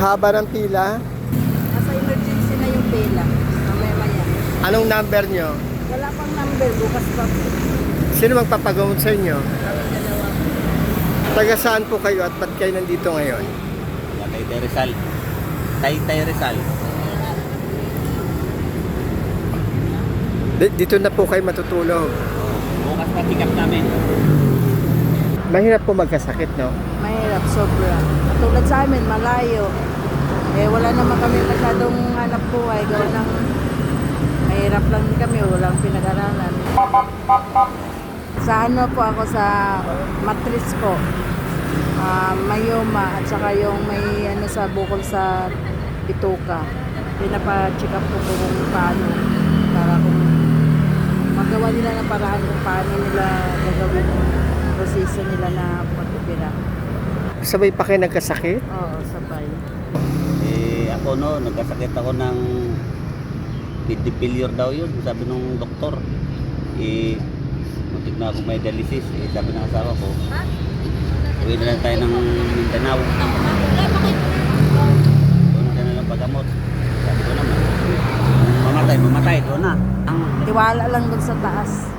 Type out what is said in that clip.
haba ng pila. Nasa emergency na yung pila. Mamaya-maya. Anong number nyo? Wala pang number. Bukas pa po. Sino magpapagamot sa inyo? Kami dalawa. Taga saan po kayo at ba't kayo nandito ngayon? Taytay Rizal. Taytay Rizal. Dito na po kayo matutulog. Bukas pa pick up namin. Mahirap po magkasakit, no? Mahirap, sobra. Tulad sa amin, malayo. Eh, wala naman kami masyadong hanap buhay. Gawa ng mahirap lang din kami. Walang pinag-aralan. Sa ano po ako sa matris ko. Mayoma at saka yung may ano sa bukol sa bituka. Pinapa-check up ko kung paano. Para kung magawa nila ng paraan kung paano nila gagawin yung proseso nila na pagpipira. Sabay pa kayo nagkasakit? Oo, sabay. Ako nagkasakit ako ng kidney failure daw yun. Sabi nung doktor. Muntik na akong may dialysis. Sabi ng asawa ko, uwi na lang tayo ng Mindanao. Doon ka na lang pagamot. Sabi ko naman, mamatay, doon na. Tiwala lang dun sa taas.